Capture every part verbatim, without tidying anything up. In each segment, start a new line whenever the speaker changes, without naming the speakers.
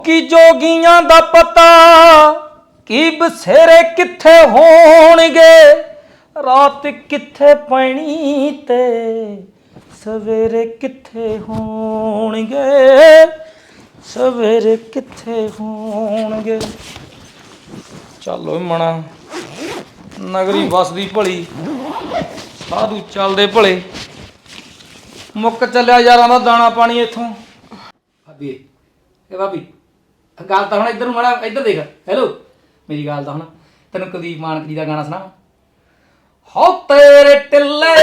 की जोगियां दा पता की बसेरे किथे होणगे रात किथे पैनी ते सवेरे किथे होणगे सवेरे किथे होणगे। चलो मना नगरी बसदी भली साधु चलदे भले मुक चलिया यारां दा दाना पानी इथों। भाभी ए भाभी गल तो हम इधर माड़ा इधर देख। हेलो मेरी गल तो हम तेन कुलदीप मानक जी का गाना सुना हो तेरे टिल्ले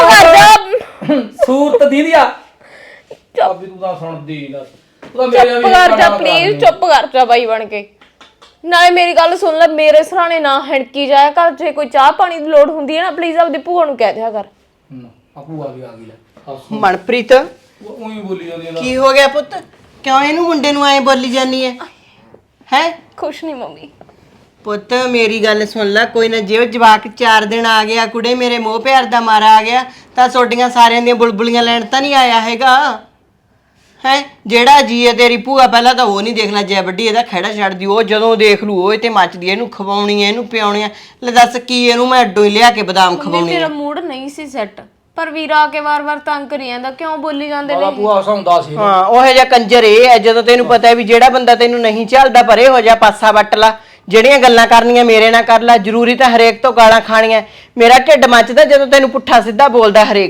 सूरत दीदिया भाभी तू तो सुनदी नहीं
चुप कर जा प्लीज चुप कर जा बाई बन के। नाले मेरी गल सुन ले मेरे सराणे ना हड़की जाया कर जे कोई चाह पानी की लोड़ हुंदी है ना प्लीज अपनी भूआ नूं कह दिया कर।
भूआ भी आ गई ले
मनप्रीत
ਉਹੀ ਬੋਲੀ ਜਾਂਦੀ
ਕੀ ਹੋ ਗਿਆ ਪੁੱਤ ਕਿਉਂ ਇਹਨੂੰ ਮੁੰਡੇ ਨੂੰ ਐ ਬੋਲੀ ਜਾਨੀ ਐ ਹੈ
ਕੁਛ ਨਹੀਂ ਮੰਮੀ।
ਪੁੱਤ ਮੇਰੀ ਗੱਲ ਸੁਣ ਲੈ ਕੋਈ ਨਾ ਜੇ ਜਵਾਕ ਚਾਰ ਦਿਨ ਆ ਗਿਆ ਕੁੜੇ ਮੇਰੇ ਮੋਹ ਪਿਆਰ ਦਾ ਮਾਰਾ ਆ ਗਿਆ ਤਾਂ ਸੋਡੀਆਂ ਸਾਰਿਆਂ ਦੀਆਂ ਬੁਲਬੁਲੀਆਂ ਲੈਣ ਤਾਂ ਨਹੀਂ ਆਇਆ ਹੈਗਾ ਹੈ ਜਿਹੜਾ ਜੀ ਹੈ ਤੇਰੀ ਭੂਆ ਪਹਿਲਾਂ ਤਾਂ ਉਹ ਨਹੀਂ ਦੇਖ ਲੈ ਜੈ ਵੱਡੀ ਇਹਦਾ ਖਹਿੜਾ ਛੱਡਦੀ ਉਹ ਜਦੋਂ ਦੇਖ ਲੂ ਉਹ ਤੇ ਮੱਚਦੀ ਇਹਨੂੰ ਖਵਾਉਣੀ ਐ ਇਹਨੂੰ ਪਿਆਉਣੀ ਐ ਲੈ ਦੱਸ ਕੀ ਇਹਨੂੰ ਮੈਂ ਅੱਡੋਂ ਹੀ ਲਿਆ ਕੇ ਬਦਾਮ ਖਵਾਉਣੀ
ਮੇਰਾ ਮੂਡ ਨਹੀਂ ਸੀ ਸੈੱਟ ਪਰ ਵੀਰਾ ਆ ਕੇ ਵਾਰ-ਵਾਰ ਤੰਗ ਕਰੀ ਜਾਂਦਾ ਕਿਉਂ ਬੋਲੀ ਜਾਂਦੇ ਨੇ
ਭੂਆ ਹਸਾਉਂਦਾ ਸੀ
ਹਾਂ ਉਹ ਜਿਹਾ ਕੰਜਰ ਇਹ ਹੈ ਜਦੋਂ ਤੈਨੂੰ ਪਤਾ ਹੈ ਵੀ ਜਿਹੜਾ ਬੰਦਾ ਤੈਨੂੰ ਨਹੀਂ ਚੱਲਦਾ ਪਰੇ ਹੋ ਜਾ ਪਾਸਾ ਵੱਟ ਲਾ ਜਿਹੜੀਆਂ ਗੱਲਾਂ ਕਰਨੀਆਂ ਮੇਰੇ ਨਾਲ ਕਰ ਲੈ ਜ਼ਰੂਰੀ ਤਾਂ ਹਰੇਕ ਤੋਂ ਗਾਲਾਂ ਖਾਣੀਆਂ ਮੇਰਾ ਢਿੱਡ ਮੱਚਦਾ ਜਦੋਂ ਤੈਨੂੰ ਪੁੱਠਾ ਸਿੱਧਾ ਬੋਲਦਾ ਹਰੇਕ।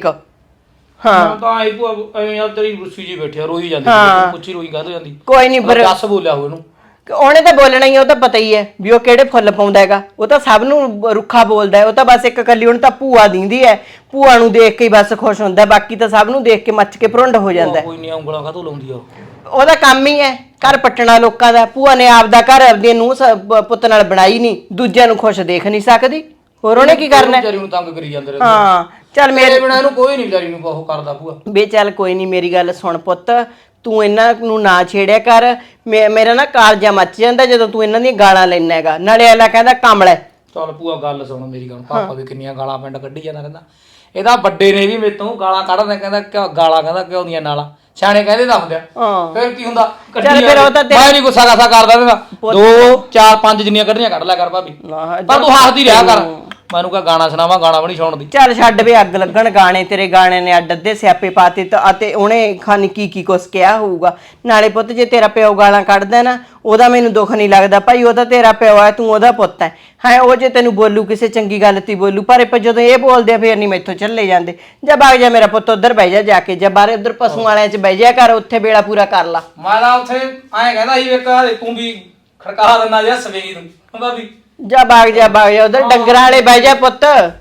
ਹਾਂ
ਤਾਂ ਆਈ ਭੂਆ ਐਵੇਂ ਯਾਰ ਤੇਰੀ ਰੁੱਸੀ ਜੀ ਬੈਠਿਆ ਰੋਈ ਜਾਂਦੀ ਪੁੱਛੀ ਰੋਈ ਕਾਹਦੋਂ ਜਾਂਦੀ
ਕੋਈ ਨਹੀਂ ਪਰ
ਦੱਸ ਬੋਲਿਆ ਹੋ ਇਹਨੂੰ
ਉਹਨੇ ਤਾਂ ਬੋਲਣਾ ਹੀ ਉਹ ਤਾਂ ਪਤਾ ਹੀ ਹੈ ਵੀ ਉਹ ਕਿਹੜੇ ਫੁੱਲ ਪਾਉਂਦਾ ਹੈਗਾ ਉਹ ਤਾਂ ਸਭ ਨੂੰ ਰੁੱਖਾ ਬੋਲਦਾ ਹੈ ਉਹ ਤਾਂ ਬਸ ਇੱਕ ਕੱਲੀ ਉਹਨੂੰ ਤਾਂ ਭੂਆ ਦਿੰਦੀ ਹੈ ਭੂਆ ਨੂੰ ਦੇਖ ਕੇ ਹੀ ਬਸ ਖੁਸ਼ ਹੁੰਦਾ ਬਾਕੀ ਤਾਂ ਸਭ ਨੂੰ ਦੇਖ ਕੇ ਮੱਚ ਕੇ ਭਰੁੰਡ ਹੋ ਜਾਂਦਾ
ਕੋਈ ਨਹੀਂ ਉਂਗਲਾਂ ਕਾਹਤੋਂ ਲਾਉਂਦੀ ਆ
ਉਹਦਾ ਕੰਮ ਹੀ ਹੈ ਘਰ ਪੱਟਣਾ ਲੋਕਾਂ ਦਾ ਭੂਆ ਨੇ ਆਪਦਾ ਘਰ ਆਪਦੀ ਨੂੰ ਪੁੱਤ ਨਾਲ ਬਣਾਈ ਨਹੀਂ ਦੂਜਿਆਂ ਨੂੰ ਖੁਸ਼ ਦੇਖ ਨਹੀਂ ਸਕਦੀ ਹੋਰ ਉਹਨੇ ਕੀ ਕਰਨਾ
ਵਿਚਾਰੀ ਨੂੰ ਤੰਗ ਕਰੀ ਜਾਂਦੇ ਰਹੇ
ਹਾਂ ਚੱਲ ਮੇਰੇ
ਬਿਨਾਂ ਇਹਨੂੰ ਕੋਈ ਨਹੀਂ ਵਿਚਾਰੀ ਨੂੰ ਉਹ ਕਰਦਾ ਭੂਆ
ਬੇ ਚੱਲ ਕੋਈ ਨਹੀਂ ਮੇਰੀ ਗੱਲ ਸੁਣ ਪੁੱਤ ਤੂੰ ਇਹਨਾਂ ਨੂੰ ਨਾ ਛੇੜਿਆ ਕਰ ਮੇਰਾ ਨਾ ਕਾਲਜਾ ਮੱਚ ਜਾਂਦਾ ਜਦੋਂ ਤੂੰ ਇਹਨਾਂ ਦੀਆਂ ਗਾਲਾਂ ਲੈਣਾ ਹੈਗਾ ਨਾਲੇ ਅਗਲਾ ਕਹਿੰਦਾ ਕਮਲਾ
ਚੱਲ ਭੂਆ ਗੱਲ ਸੁਣ ਮੇਰੀ ਗੱਲ ਪਾਪਾ ਵੀ ਕਿੰਨੀਆਂ ਗਾਲਾਂ ਪਿੰਡ ਕੱਢੀ ਜਾਂਦਾ ਰਹਿੰਦਾ ਇਹਦਾ ਵੱਡੇ ਨੇ ਵੀ ਮੇਤੋਂ ਗਾਲਾਂ ਕੱਢਦਾ ਕਹਿੰਦਾ ਕਿਉਂ ਗਾਲਾਂ ਕਹਿੰਦਾ ਕਿਉਂ ਦੀਆਂ ਨਾਲਾਂ ਸਿਆਣੇ ਕਹਿੰਦੇ ਤਾਂ ਹੁੰਦੇ ਆ ਫਿਰ ਕੀ ਹੁੰਦਾ
ਚੱਲ ਫਿਰ ਉਹ ਤਾਂ
ਮੈਂ ਨਹੀਂ ਗੁੱਸਾ ਗਾਸਾ ਕਰਦਾ ਇਹਦਾ ਦੋ ਚਾਰ ਪੰਜ ਜਿੰਨੀਆਂ ਕੱਢਣੀਆਂ ਕੱਢ ਲਿਆ ਕਰ ਭਾਬੀ ਪਰ ਤੂੰ ਹੱਸਦੀ ਰਿਹਾ ਕਰ ਮੈਨੂੰ ਕਹ ਗਾਣਾ ਸੁਣਾਵਾ ਗਾਣਾ ਵੀ ਨਹੀਂ ਸੁਣਦੀ
ਚੱਲ ਛੱਡ ਵੇ ਅੱਗ ਲੱਗਣ ਗਾਣੇ ਤੇਰੇ ਗਾਣੇ ਨੇ ਅੱਡ ਅੱਧੇ ਸਿਆਪੇ ਪਾਤੇ ਅਤੇ ਉਹਨੇ ਖਾਨੀ ਕੀ ਕੀ ਕੁਛ ਕਿਹਾ ਹੋਊਗਾ ਨਾਲੇ ਪੁੱਤ ਜੇ ਤੇਰਾ ਪਿਓ ਗਾਲਾਂ ਕੱਢਦਾ ਨਾ ਉਹਦਾ ਮੈਨੂੰ ਦੁੱਖ ਨਹੀਂ ਲੱਗਦਾ ਭਾਈ ਉਹ ਤਾਂ ਤੇਰਾ ਪਿਓ ਹੈ ਤੂੰ ਉਹਦਾ ਪੁੱਤ ਹੈ ਹਾਂ ਉਹ ਜੇ ਤੈਨੂੰ ਬੋਲੂ ਕਿਸੇ ਚੰਗੀ ਗੱਲ ਤੇ ਬੋਲੂ ਪਰ ਜਦੋਂ ਇਹ ਬੋਲਦੇ ਆ ਫੇਰ ਨਹੀਂ ਮੈਥੋਂ ਚੱਲੇ ਜਾਂਦੇ ਜਾਂ ਬਾਗ ਜਾ ਮੇਰਾ ਪੁੱਤ ਉਧਰ ਬਹਿ ਜਾ ਜਾ ਕੇ ਜਾਂ ਬਾਹਰ ਉਧਰ ਪਸ਼ੂ ਵਾਲਿਆਂ 'ਚ ਬਹਿ ਜਾ ਕਰ ਉੱਥੇ ਵੇਲਾ ਪੂਰਾ ਕਰ ਲਾ
ਮੈਂ ਤਾਂ ਉੱਥੇ ਐਂ ਕਹਿੰਦਾ ਸੀ ਇੱਕ ਤੂੰ ਵੀ ਖੜਕਾ ਦਿੰਦਾ ਜਿਹਾ ਸਵੇਰੀ ਨੂੰ ਹੁੰਦਾ ਵੀ
ਜਾ ਬਾਗ ਜਾ ਬਾਗ ਜਾ ਉਧਰ ਡੰਗਰਾਂ ਵਾਲੇ ਬਹਿ ਜਾ ਪੁੱਤ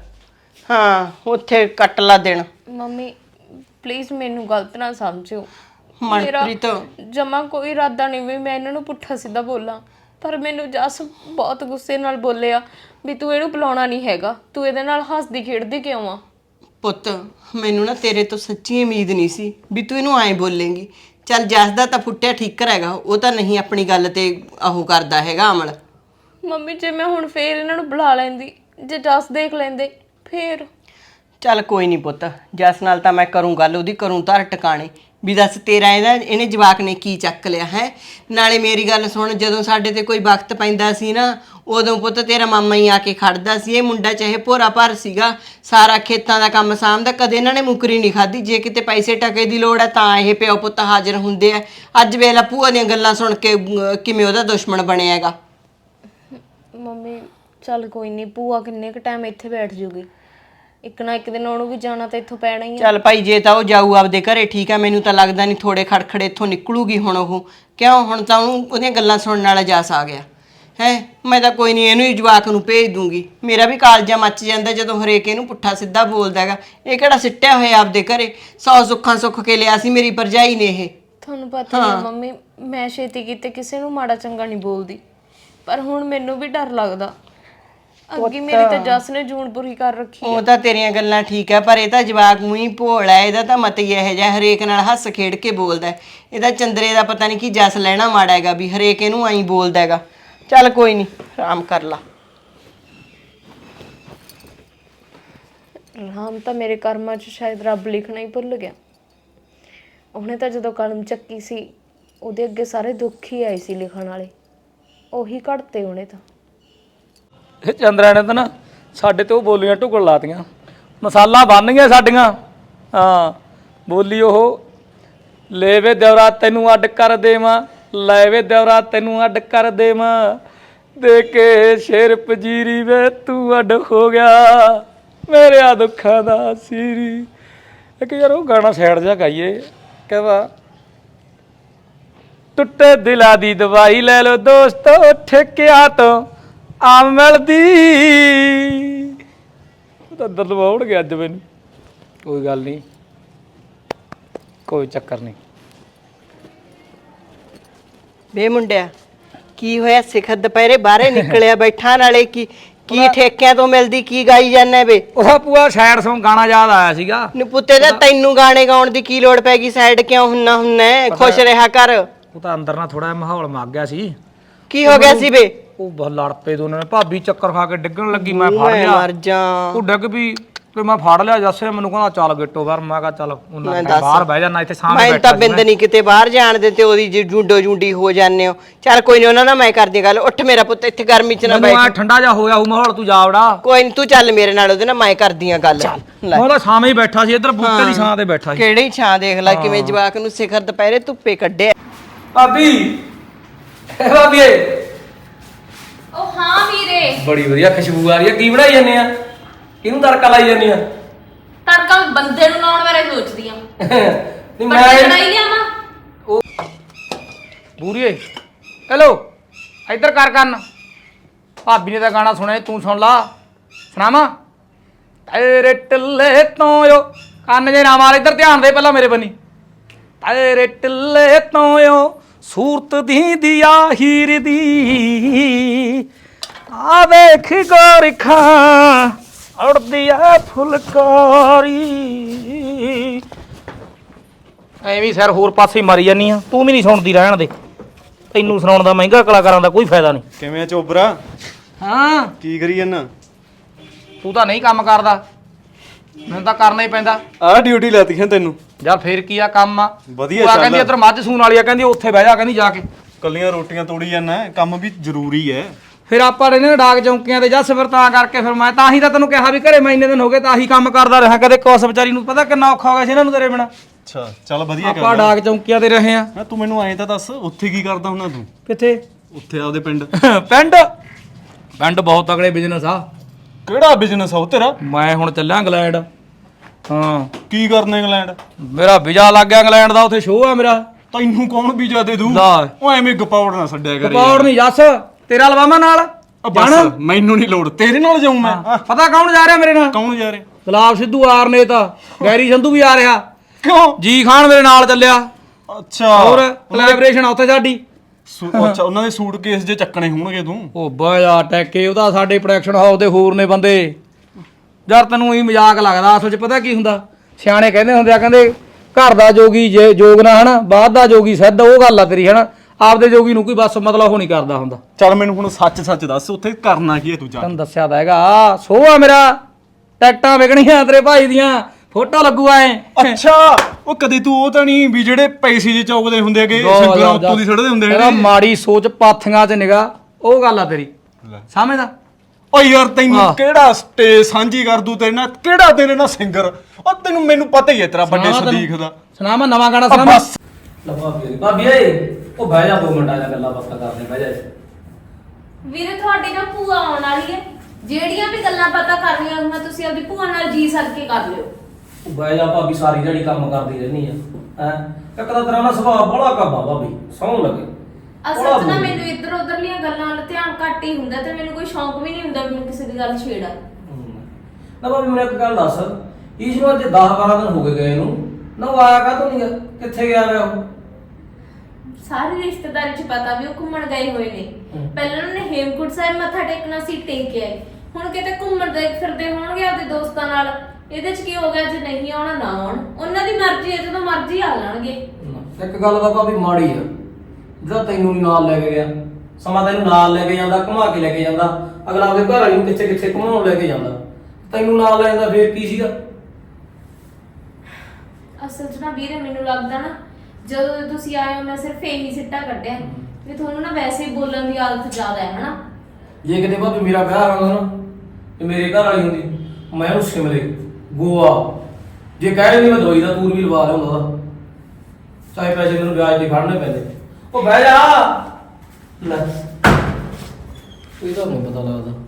ਹਾਂ ਉੱਥੇ ਕੱਟ ਲਾ ਦੇਣ
ਮੰਮੀ ਪਲੀਜ਼ ਮੈਨੂੰ ਗਲਤ ਨਾ ਸਮਝਿਓ
ਮਨਪ੍ਰੀਤ
ਜਮਾ ਕੋਈ ਇਰਾਦਾ ਨਹੀਂ ਵੀ ਮੈਂ ਇਹਨਾਂ ਨੂੰ ਪੁੱਠਾ ਸਿੱਧਾ ਬੋਲਾਂ ਪਰ ਮੈਨੂੰ ਜਸ ਬਹੁਤ ਗੁੱਸੇ ਨਾਲ ਬੋਲਿਆ ਵੀ ਤੂੰ ਇਹਨੂੰ ਬੁਲਾਉਣਾ ਨਹੀਂ ਹੈਗਾ ਤੂੰ ਇਹਦੇ ਨਾਲ ਹੱਸਦੀ ਖੇਡਦੀ ਕਿਉਂ ਆ
ਪੁੱਤ ਮੈਨੂੰ ਨਾ ਤੇਰੇ ਤੋਂ ਸੱਚੀ ਉਮੀਦ ਨਹੀਂ ਸੀ ਵੀ ਤੂੰ ਇਹਨੂੰ ਐਂ ਬੋਲੇਂਗੀ ਚੱਲ ਜਸ ਦਾ ਤਾਂ ਫੁੱਟਿਆ ਠੀਕਰ ਹੈਗਾ ਉਹ ਤਾਂ ਨਹੀਂ ਆਪਣੀ ਗੱਲ ਤੇ ਉਹ ਕਰਦਾ ਹੈਗਾ ਅਮਲ
ਮੰਮੀ ਜੇ ਮੈਂ ਹੁਣ ਫੇਰ ਇਹਨਾਂ ਨੂੰ ਬੁਲਾ ਲੈਂਦੀ ਜੇ ਜਸ ਦੇਖ ਲੈਂਦੇ ਫੇਰ
ਚੱਲ ਕੋਈ ਨਹੀਂ ਪੁੱਤ ਜਸ ਨਾਲ ਤਾਂ ਮੈਂ ਕਰੂੰ ਗੱਲ ਉਹਦੀ ਕਰੂੰ ਧਰ ਟਿਕਾਣੇ ਵੀ ਦੱਸ ਤੇਰਾ ਇਹਦਾ ਇਹਨੇ ਜਵਾਕ ਨੇ ਕੀ ਚੱਕ ਲਿਆ ਹੈ ਨਾਲੇ ਮੇਰੀ ਗੱਲ ਸੁਣ ਜਦੋਂ ਸਾਡੇ ਤੇ ਕੋਈ ਵਕਤ ਪੈਂਦਾ ਸੀ ਨਾ ਉਦੋਂ ਪੁੱਤ ਤੇਰਾ ਮਾਮਾ ਹੀ ਆ ਕੇ ਖੜਦਾ ਸੀ ਇਹ ਮੁੰਡਾ ਚਾਹੇ ਭੋਰਾ ਭਰ ਸੀਗਾ ਸਾਰਾ ਖੇਤਾਂ ਦਾ ਕੰਮ ਸਾਂਭਦਾ ਕਦੇ ਇਹਨਾਂ ਨੇ ਮੁਕਰੀ ਨਹੀਂ ਖਾਧੀ ਜੇ ਕਿਤੇ ਪੈਸੇ ਟਕੇ ਦੀ ਲੋੜ ਹੈ ਤਾਂ ਇਹ ਪਿਓ ਪੁੱਤ ਹਾਜ਼ਰ ਹੁੰਦੇ ਆ ਅੱਜ ਵੇਲਾ ਭੂਆ ਦੀਆਂ ਗੱਲਾਂ ਸੁਣ ਕੇ ਕਿਵੇਂ ਉਹਦਾ ਦੁਸ਼ਮਣ ਬਣਿਆ ਹੈਗਾ
ਮੰਮੀ ਚੱਲ ਕੋਈ ਨਹੀਂ ਭੂਆ ਕਿੰਨੇ ਕੁ ਟਾਈਮ ਇੱਥੇ ਬੈਠ ਜੂਗੀ ਇੱਕ ਨਾ ਇੱਕ ਦਿਨ ਉਹਨੂੰ ਵੀ ਜਾਣਾ ਤਾਂ ਇੱਥੋਂ ਪੈਣਾ ਹੀ ਆ
ਚੱਲ ਭਾਈ ਜੇ ਤਾਂ ਉਹ ਜਾਊ ਆਪਦੇ ਘਰੇ ਠੀਕ ਆ ਮੈਨੂੰ ਤਾਂ ਲੱਗਦਾ ਨਹੀਂ ਥੋੜੇ ਖੜਖੜੇ ਇੱਥੋਂ ਨਿਕਲੂਗੀ ਹੁਣ ਉਹ ਕਿਉਂ ਹੁਣ ਤਾਂ ਉਹਨੂੰ ਉਹਦੀਆਂ ਗੱਲਾਂ ਸੁਣਨ ਵਾਲਾ ਜਾਸ ਆ ਗਿਆ ਹੈ ਮੈਂ ਤਾਂ ਕੋਈ ਨਹੀਂ ਇਹਨੂੰ ਹੀ ਜਵਾਕ ਨੂੰ ਭੇਜ ਦੂੰਗੀ ਮੇਰਾ ਵੀ ਕਾਲਜਾ ਮੱਚ ਜਾਂਦਾ ਜਦੋਂ ਹਰੇਕ ਇਹਨੂੰ ਪੁੱਠਾ ਸਿੱਧਾ ਬੋਲਦਾ ਹੈਗਾ ਇਹ ਕਿਹੜਾ ਸਿੱਟਿਆ ਹੋਇਆ ਆਪਦੇ ਘਰੇ ਸੌ ਸੁੱਖਾਂ ਸੁੱਖ ਕੇ ਲਿਆ ਸੀ ਮੇਰੀ ਭਰਜਾਈ ਨੇ ਇਹ
ਤੁਹਾਨੂੰ ਪਤਾ ਹੈ ਮੰਮੀ ਮੈਂ ਛੇਤੀ ਕੀਤੇ ਕਿਸੇ ਨੂੰ ਮਾੜਾ ਚੰਗਾ ਨਹੀਂ ਬੋਲਦੀ ਪਰ ਹੁਣ ਮੈਨੂੰ ਵੀ ਡਰ ਲੱਗਦਾ ਅੱਗੇ ਮੇਰੀ ਤਾਂ ਜਸ ਨੇ ਜੂਨ ਪੂਰੀ ਕਰ ਰੱਖੀ
ਉਹ ਤਾਂ ਤੇਰੀਆਂ ਗੱਲਾਂ ਠੀਕ ਆ ਪਰ ਇਹ ਤਾਂ ਜਵਾਕ ਮੂੰਹ ਭੋਲਾ ਹੈ ਇਹਦਾ ਤਾਂ ਮਤ ਹੀ ਇਹੋ ਜਿਹਾ ਹਰੇਕ ਨਾਲ ਹੱਸ ਖੇਡ ਕੇ ਬੋਲਦਾ ਇਹਦਾ ਚੰਦਰੇ ਦਾ ਪਤਾ ਨਹੀਂ ਕੀ ਜਸ ਲੈਣਾ ਮਾੜਾ ਹੈਗਾ ਵੀ ਹਰੇਕ ਇਹਨੂੰ ਐਂ ਬੋਲਦਾ ਹੈਗਾ ਚੱਲ ਕੋਈ ਨਹੀਂ ਆਰਾਮ ਕਰ ਲਾ
ਰਾਮ ਤਾਂ ਮੇਰੇ ਕਰਮਾਂ 'ਚ ਸ਼ਾਇਦ ਰੱਬ ਲਿਖਣਾ ਹੀ ਭੁੱਲ ਗਿਆ ਉਹਨੇ ਤਾਂ ਜਦੋਂ ਕਲਮ ਚੱਕੀ ਸੀ ਉਹਦੇ ਅੱਗੇ ਸਾਰੇ ਦੁੱਖ ਹੀ ਆਏ ਸੀ ਲਿਖਣ ਵਾਲੇ, ਉਹੀ ਘੜਤੇ ਉਹਨੇ ਤਾਂ।
ਇਹ ਚੰਦਰਾ ਨੇ ਤਾਂ ਨਾ ਸਾਡੇ ਤੇ ਉਹ ਬੋਲੀਆਂ ਢੁਕਣ ਲਾਤੀਆਂ, ਮਸਾਲਾ ਬਣ ਗਈਆਂ ਸਾਡੀਆਂ। ਹਾਂ ਬੋਲੀ ਉਹ, ਲੈ ਵੇ ਦਿਉਰਾ ਤੈਨੂੰ ਅੱਡ ਕਰ ਦੇਵਾਂ, ਲੈ ਵੇ ਦਿਉਰਾ ਤੈਨੂੰ ਅੱਡ ਕਰ ਦੇਵਾਂ, ਦੇ ਕੇ ਸ਼ੇਰ ਪਜੀਰੀ ਵੇ ਤੂੰ ਅੱਡ ਹੋ ਗਿਆ ਮੇਰਿਆ ਦੁੱਖਾਂ ਦਾ ਸੀਰੀ। ਇੱਕ ਯਾਰ ਉਹ ਗਾਣਾ ਸਾਈਡ ਜਿਹਾ ਗਾਈਏ, ਕਹਿੰਦਾ ਟੁੱਟੇ ਦਿਲਾਂ ਦੀ ਦਵਾਈ ਲੈ ਲਓ ਦੋਸਤੋ, ਠੇਕਿਆਂ ਤੋਂ ਆਮ ਮਿਲਦੀ। ਉਹ ਤਾਂ ਦਰਦ ਹੋਣ ਗਿਆ ਅੱਜ ਮੈਨੂੰ। ਕੋਈ ਗੱਲ ਨਹੀਂ, ਕੋਈ ਚੱਕਰ ਨਹੀਂ।
ਵੇ ਮੁੰਡਿਆ, ਕੀ ਹੋਇਆ? ਸਿਖਰ ਦੁਪਹਿਰੇ ਬਾਹਰੇ ਨਿਕਲਿਆ ਬੈਠਾ, ਨਾਲੇ ਕੀ ਕੀ ਠੇਕਿਆਂ ਤੋਂ ਮਿਲਦੀ ਕੀ ਗਾਈ ਜਾਂਦਾ ਵੇ?
ਉਹਦਾ ਪੂਆ ਸਾਈਡ ਸੌਂਗ ਗਾਣਾ ਯਾਦ ਆਇਆ ਸੀਗਾ।
ਨੀ ਪੁੱਤੇ ਦਾ ਤੈਨੂੰ ਗਾਣੇ ਗਾਉਣ ਦੀ ਕੀ ਲੋੜ ਪੈ ਗਈ? ਸਾਈਡ ਕਿਉਂ ਹੁੰਨਾ ਹੁੰਨਾ? ਖੁਸ਼ ਰਿਹਾ ਕਰ।
ਉਹ ਤਾਂ ਅੰਦਰ ਨਾ ਥੋੜਾ ਜਿਹਾ ਮਾਹੌਲ ਮੱਗ ਗਿਆ ਸੀ।
ਕੀ ਹੋ ਗਿਆ ਸੀ ਵੇ?
ਉਹ ਬਹੁਤ ਲੜ ਪਏ ਦੋਨਾਂ ਨੇ, ਭਾਬੀ ਚੱਕਰ ਖਾ ਕੇ ਡਿੱਗਣ ਲੱਗੀ, ਮੈਂ ਫੜ
ਮੈਂ
ਲਿਆ।
ਮਰ ਜਾ।
ਉਹ ਡਿੱਗ ਪਈ ਤੇ ਮੈਂ ਫੜ ਲਿਆ। ਜੱਸੇ ਮੈਨੂੰ ਕਹਿੰਦਾ ਚੱਲ ਗਿੱਟੋ ਬਾਹਰ। ਮੈਂ ਕਿਹਾ ਚੱਲ ਉਹਨਾਂ
ਮੈਂ
ਟਾਈਮ
ਦੱਸ।
ਬਾਹਰ ਬਹਿ ਜਾਣਾ, ਇੱਥੇ ਸਾਹਮਣੇ
ਮੈਂ
ਬੈਠਾ
ਤਾਂ ਬਿੰਦ ਨਹੀਂ ਕਿਤੇ ਬਾਹਰ ਜਾਣ ਦੇ ਤੇ ਉਹਦੀ ਜੇ ਜੁੰਡੋ ਜੁੰਡੀ ਹੋ ਜਾਂਦੇ ਹੋ। ਚੱਲ ਕੋਈ ਨਹੀਂ, ਉਹਨਾਂ ਨਾਲ ਮੈਂ ਕਰਦੀ ਗੱਲ। ਉੱਠ ਮੇਰਾ ਪੁੱਤ, ਇੱਥੇ ਗਰਮੀ ਚ ਨਾ
ਮੈਨੂੰ ਆ
ਬੈਠ।
ਠੰਡਾ ਜਾ ਹੋਇਆ ਉਹ ਮਾਹੌਲ, ਤੂੰ ਜਾ ਵੜਾ।
ਕੋਈ ਨਹੀਂ, ਤੂੰ ਚੱਲ ਮੇਰੇ ਨਾਲ, ਉਹਦੇ ਨਾਲ ਮੈਂ ਕਰਦੀ ਆ ਗੱਲ। ਲੈ,
ਮੈਂ ਤਾਂ ਸਾਵੇਂ ਹੀ ਬੈਠਾ ਸੀ, ਇੱਧਰ ਬੂਟੇ ਦੀ ਛਾਂ ਤੇ ਬੈਠਾ ਸੀ।
ਕਿਹੜੀ ਛਾਂ ਦੇਖ ਲੈ ਕਿਵੇਂ ਜਵਾਕ ਨੂੰ ਸਿਖਰ ਦੁਪਹਿਰੇ ਧੁੱਪੇ ਕੱਢਿਆ।
ਭਾਬੀ ਏ ਭਾਬੀ
ਉਹ ਹਾਂ ਵੀਰੇ,
ਬੜੀ ਵਧੀਆ ਖੁਸ਼ਬੂ ਆ ਰਹੀ ਹੈ। ਕੀ ਬਣਾਈ ਜਾਂਦੇ ਆ? ਕਿਹਨੂੰ ਤੜਕਾ ਲਾਈ ਜਾਂਦੀ ਆ?
ਤੜਕਾ ਬੰਦੇ ਨੂੰ ਲਾਉਣ ਬਾਰੇ ਸੋਚਦੀ ਆ।
ਨਹੀਂ
ਮੈਂ ਲੜਾਈ ਲਿਆਵਾਂ
ਬੂਰੀਏ, ਹੈਲੋ ਇੱਧਰ ਕਰ ਕੰਨ। ਭਾਬੀ ਨੇ ਤਾਂ ਗਾਣਾ ਸੁਣਿਆ, ਤੂੰ ਸੁਣ ਲਾ। ਸੁਣਾਵਾਂ? ਤੇਰੇ ਟਿੱਲੇ ਤੋਂ ਓ, ਕੰਨ ਜੇ ਨਾ ਮਾਰ, ਇੱਧਰ ਧਿਆਨ ਦੇ ਪਹਿਲਾਂ ਮੇਰੇ ਬੰਨੀ। ਤੇਰੇ ਟਿੱਲੇ ਤੋਂ ਓ ਸੂਰਤ ਦੀ ਦਿਆ ਹੀਰ ਦੀ, ਆ ਵੇਖ ਗੋਰਖਾਂ ਉੜਦੀ ਆ ਫੁਲਕਾਰੀ। ਐਵੇਂ ਸਿਰ ਹੋਰ ਪਾਸੇ ਮਰੀ ਜਾਨੀ ਆ, ਤੂੰ ਵੀ ਨਹੀਂ ਸੁਣਦੀ, ਰਹਿਣ ਦੇ। ਤੈਨੂੰ ਸੁਣਾਉਣ ਦਾ ਮਹਿੰਗਾ ਕਲਾਕਾਰਾਂ ਦਾ ਕੋਈ ਫਾਇਦਾ ਨਹੀਂ।
ਕਿਵੇਂ ਆ ਚੋਬਰਾ?
ਹਾਂ
ਕੀ ਕਰੀ ਜਾਂਦਾ?
ਤੂੰ ਤਾਂ ਨਹੀਂ ਕੰਮ ਕਰਦਾ, ਮੈਨੂੰ ਤਾਂ ਕਰਨਾ ਹੀ ਪੈਂਦਾ।
ਆਹ ਡਿਊਟੀ ਲਾਤੀ ਹੈ ਤੈਨੂੰ?
ਯਾਰ ਫੇਰ ਕੀ ਆ ਕੰਮ ਆ।
ਵਧੀਆ
ਉਹ ਆ
ਚੱਲ।
ਕਹਿੰਦੀ ਇੱਧਰ ਮੱਝ ਸੂਣ ਵਾਲੀ ਆ, ਕਹਿੰਦੀ ਉੱਥੇ ਬਹਿ ਜਾ, ਕਹਿੰਦੀ ਜਾ ਕੇ।
ਕੱਲੀਆਂ ਰੋਟੀਆਂ ਤੋੜੀ ਜਾਂਦਾ, ਕੰਮ ਵੀ ਜ਼ਰੂਰੀ ਹੈ।
ਫਿਰ ਆਪਾਂ ਰਹਿੰਦੇ ਨੇ ਡਾਕ ਚੌਂਕੀਆਂ ਤੇ ਜੱਸ, ਫਿਰ ਤਾਂ ਕਰਕੇ ਫਿਰ ਮੈਂ ਤਾਂ ਹੀ ਤਾਂ ਤੈਨੂੰ ਕਿਹਾ ਵੀ ਘਰੇ ਮੈਂ ਇੰਨੇ ਦਿਨ ਹੋ ਗਏ ਤਾਂ ਆਹੀ ਕੰਮ ਕਰਦਾ ਰਿਹਾ। ਕਦੇ ਕੋਸ ਵਿਚਾਰੀ ਨੂੰ ਪਤਾ ਕਿੰਨਾ ਔਖਾ ਹੋ ਗਿਆ ਸੀ ਇਹਨਾਂ ਨੂੰ ਤੇਰੇ ਬਿਨਾ।
ਅੱਛਾ ਚੱਲ ਵਧੀਆ
ਆਪਾਂ
ਕਰ।
ਡਾਕ ਚੌਂਕੀਆਂ ਤੇ ਰਹੇ ਆ।
ਨਾ ਤੂੰ ਮੈਨੂੰ ਐਂ ਤਾਂ ਦੱਸ, ਉੱਥੇ ਕੀ ਕਰਦਾ ਹੁੰਦਾ ਤੂੰ?
ਕਿੱਥੇ?
ਉੱਥੇ ਆਪਦੇ ਪਿੰਡ।
ਪਿੰਡ ਪਿੰਡ ਬਹੁਤ ਤਗੜੇ ਬਿਜ਼ਨਸ ਆ।
ਕਿਹੜਾ ਬਿਜ਼ਨਸ ਆ ਉਹ ਤੇਰਾ?
ਮੈਂ ਹੁਣ ਚੱਲਿਆ ਇੰਗਲੈਂਡ। ਹਾਂ
ਕੀ ਕਰਨਾ ਇੰਗਲੈਂਡ?
ਮੇਰਾ ਵੀਜ਼ਾ ਲੱਗ ਗਿਆ ਇੰਗਲੈਂਡ ਦਾ, ਉੱਥੇ ਸ਼ੋਅ ਆ ਮੇਰਾ।
ਤੈਨੂੰ ਕੌਣ ਵੀਜ਼ਾ ਦੇ ਦੂ?
ਲੈ
ਉਹ ਐਵੇਂ ਗਪੌੜ ਨਾ ਛੱਡਿਆ ਕਰੇ।
ਕਪੌੜ ਨਹੀਂ ਜੱਸ, ਤੇਰਾ ਲਵਾਵਾਂ ਨਾਲ।
ਬਸ ਮੈਨੂੰ ਨਹੀਂ ਲੋੜ, ਤੇਰੇ ਨਾਲ ਜਾਊਂ ਮੈਂ।
ਪਤਾ ਕੌਣ ਜਾ ਰਿਹਾ ਮੇਰੇ ਨਾਲ?
ਕੌਣ ਜਾ ਰਿਹਾ?
ਗੁਲਾਬ ਸਿੱਧੂ ਆਰ ਨੇ ਤਾਂ, ਗੈਰੀ ਸੰਧੂ ਵੀ ਆ ਰਿਹਾ,
ਕਿਉਂ?
ਜੀ ਖਾਨ ਮੇਰੇ ਨਾਲ ਚੱਲਿਆ।
ਅੱਛਾ
ਹੋਰ ਕੋਲੈਬੋਰੇਸ਼ਨ ਆ ਉੱਥੇ ਸਾਡੀ।
ਸੂ- ਅੱਛਾ ਉਹਨਾਂ ਦੇ ਸੂਟਕੇਸ ਜੇ ਚੱਕਣੇ ਹੋਣਗੇ ਤੂੰ।
ਉਹ ਬਾਇਆ ਟੈਕੇ, ਉਹਦਾ ਸਾਡੇ ਪ੍ਰੋਡਕਸ਼ਨ ਹਾਊਸ ਦੇ ਹੋਰ ਨੇ ਬੰਦੇ। ਯਾਰ ਤੈਨੂੰ ਹੀ ਮਜ਼ਾਕ ਲੱਗਦਾ, ਅਸਲ 'ਚ ਪਤਾ ਕੀ ਹੁੰਦਾ, ਸਿਆਣੇ ਕਹਿੰਦੇ ਹੁੰਦੇ ਆ, ਕਹਿੰਦੇ ਘਰ ਦਾ ਜੋਗੀ ਜੇ ਜੋਗ ਨਾ ਹਨਾ, ਬਾਹਰ ਦਾ ਜੋਗੀ ਸਿੱਧ। ਉਹ ਗੱਲ ਆ ਤੇਰੀ ਹਨਾ, ਆਪਦੇ ਜੋਗੀ ਨੂੰ ਕੋਈ ਬਸ ਮਤਲਬ ਉਹ ਨਹੀਂ ਕਰਦਾ ਹੁੰਦਾ।
ਚੱਲ ਮੈਨੂੰ ਹੁਣ ਸੱਚ ਸੱਚ ਦੱਸ, ਉੱਥੇ ਕਰਨਾ ਕੀ ਹੈ ਤੂੰ ਜਾ ਕੇ?
ਤੈਨੂੰ ਦੱਸਿਆ ਤਾਂ ਹੈਗਾ, ਸੋਹ ਆ ਮੇਰਾ, ਟਿਕਟਾਂ ਵਿਕਣੀਆਂ ਤੇਰੇ ਭਾਈ ਦੀਆਂ, ਫੋਟੋ ਲੱਗੂ ਐ।
ਅੱਛਾ ਉਹ ਕਦੇ ਤੂੰ ਉਹ ਤਾਂ ਨਹੀਂ ਵੀ ਜਿਹੜੇ ਪੈਸੇ ਜੇ ਚੌਕਦੇ ਹੁੰਦੇ ਹੈਗੇ, ਸਿੰਗਰਾਂ ਉੱਤੋਂ ਦੀ ਛੱਡਦੇ ਹੁੰਦੇ
ਇਹਦਾ
ਨੇ?
ਮਾੜੀ ਸੋਚ, ਪਾਥੀਆਂ 'ਚ ਨਿਗਾ, ਉਹ ਗੱਲ ਆ ਤੇਰੀ। ਸਮਝਦਾ?
ਓ ਯਾਰ ਤੈਨੂੰ
ਹਾਂ।
ਕਿਹੜਾ ਸਟੇਜ ਸਾਂਝੀ ਕਰ ਦੂ ਤੇਰੇ ਨਾਲ? ਕਿਹੜਾ ਤੇਰੇ ਨਾਲ ਸਿੰਗਰ? ਉਹ ਤੈਨੂੰ ਮੈਨੂੰ ਪਤਾ ਹੀ ਹੈ ਤੇਰਾ ਵੱਡੇ
ਸੁਣਾ ਤੈਨੂੰ।
ਸਦੀਕ ਦਾ।
ਸੁਣਾ ਮੈਂ ਨਵਾਂ ਗਾਣਾ
ਆ
ਸੁਣਾ।
ਬਸ
ਭਾਬੀ ਭਾਬੀ ਏ, ਉਹ ਬਹਿ ਜਾ ਦੋ ਮਿੰਟਾਂ ਦਾ ਗੱਲਾਂ ਬਾਤਾਂ ਕਰਦੇ, ਬਹਿ ਜਾ।
ਵੀਰੇ ਤੁਹਾਡੀ ਨਾ ਭੂਆ ਆਉਣ ਵਾਲੀ ਹੈ, ਜਿਹੜੀਆਂ ਵੀ ਗੱਲਾਂ ਪਤਾ ਕਰਨੀਆਂ ਮੈਂ ਤੁਸੀਂ ਆਪਣੀ ਭੂਆ ਨਾਲ ਜੀ ਸਰ ਕੇ ਕਰ ਲਿਓ।
ਉਹ ਬਹਿ ਜਾ ਭਾਬੀ, ਸਾਰੀ ਜਿਹੜੀ ਕੰਮ ਕਰਦੀ ਰਹਿੰਦੀ ਆ। ਹੈ ਇੱਕ ਤਾਂ ਤੇਰਾ ਨਾ ਸੁਭਾਅ ਬੜਾ ਕੱਬਾ ਭਾਬੀ, ਸੌਂ ਲੱਗੇ।
ਅਸਲ 'ਚ ਨਾ ਮੈਨੂੰ ਇੱਧਰ ਉੱਧਰਲੀਆਂ ਗੱਲਾਂ ਵੱਲ ਧਿਆਨ ਘੱਟ ਹੀ ਹੁੰਦਾ ਤੇ ਮੈਨੂੰ ਕੋਈ ਸ਼ੌਂਕ ਵੀ ਨਹੀਂ ਹੁੰਦਾ ਵੀ ਮੈਂ ਕਿਸੇ ਦੀ ਗੱਲ ਛੇੜਾਂ।
ਨਾ ਭਾਬੀ ਮੈਨੂੰ ਇੱਕ ਗੱਲ ਦੱਸ, ਈਸ਼ ਨੂੰ ਅੱਜ ਦਸ ਬਾਰਾਂ ਦਿਨ ਹੋ ਗਏ ਗਏ ਨੂੰ, ਨਾ ਉਹ ਆਇਆ ਕਾਹਤੋਂ ਨਹੀਂ ਗਾ? ਕਿੱਥੇ ਗਿਆ ਵਾ ਉਹ?
ਸਾਰੀ ਰਿਸ਼ਤੇਦਾਰੀ 'ਚ ਪਤਾ ਵੀ ਉਹ ਘੁੰਮਣ ਗਏ ਹੋਏ ਨੇ। ਪਹਿਲਾਂ ਉਹਨੇ ਹੇਮਕੁੰਟ ਸਾਹਿਬ ਮੱਥਾ ਟੇਕਣਾ ਸੀ, ਟੇਕ ਕੇ ਆਏ। ਹੁਣ ਕਿਤੇ ਘੁੰਮਣ ਦੇ ਫਿਰਦੇ ਹੋਣਗੇ ਆਪਦੇ ਦੋਸਤਾਂ ਨਾਲ। ਇਹਦੇ 'ਚ ਕੀ ਹੋ ਗਿਆ, ਜੇ ਨਹੀਂ ਆਉਣਾ ਨਾ ਆਉਣ, ਉਹਨਾਂ ਦੀ ਮਰਜ਼ੀ ਹੈ, ਜਦੋਂ ਮਰਜ਼ੀ ਆ ਜਾਣਗੇ।
ਇੱਕ ਗੱਲ ਤਾਂ ਭਾਬੀ ਮਾੜੀ ਆ, ਜਿਹੜਾ ਤੈਨੂੰ ਨੀ ਨਾਲ ਲੈ ਕੇ ਗਿਆ। ਸਮਾਂ ਤੈਨੂੰ ਨਾਲ ਲੈ ਕੇ ਜਾਂਦਾ, ਘੁਮਾ ਕੇ ਲੈ ਕੇ ਜਾਂਦਾ, ਅਗਲਾ ਆਪਦੇ ਘਰ ਵਾਲੀ ਨੂੰ ਕਿੱਥੇ ਕਿੱਥੇ ਘੁਮਾਉਣ ਲੈ ਕੇ ਜਾਂਦਾ, ਤੈਨੂੰ ਨਾਲ ਲੈ ਜਾਂਦਾ, ਫੇਰ ਕੀ ਸੀਗਾ?
ਅਸਲ 'ਚ ਨਾ ਵੀਰੇ ਮੈਨੂੰ ਲੱਗਦਾ ਨਾ ਜਦੋਂ ਦੇ ਤੁਸੀਂ ਆਏ ਹੋ ਮੈਂ ਸਿਰਫ ਇਹੀ ਸਿੱਟਾ ਕੱਢਿਆ ਵੀ ਤੁਹਾਨੂੰ ਨਾ ਵੈਸੇ ਹੀ ਬੋਲਣ ਦੀ ਆਦਤ ਜ਼ਿਆਦਾ ਹੈ ਹਨਾ।
ਜੇ ਕਿਤੇ ਭਾਬੀ ਮੇਰਾ ਵਿਆਹ ਹੋਣਾ ਨਾ ਤੇ ਮੇਰੇ ਘਰ ਵਾਲੀ ਹੁੰਦੀ ਮੈਂ ਉਹਨੂੰ ਸ਼ਿਮਲੇ ਗੋਆ ਜੇ ਕਹਿ ਨਹੀਂ ਮੈਂ ਦਵਾਈ ਦਾ ਤੂਰ ਵੀ ਲਵਾ ਲਿਆਉਂਦਾ ਉਹਦਾ ਚਾਹੇ ਪੈਸੇ ਮੈਨੂੰ ਵਿਆਜ ਤੇ ਫੜਨੇ ਪੈਂਦੇ। ਉਹ ਬਹਿ ਜਾ ਲੈ ਇਹਦਾ ਨਹੀਂ ਪਤਾ ਲੱਗਦਾ।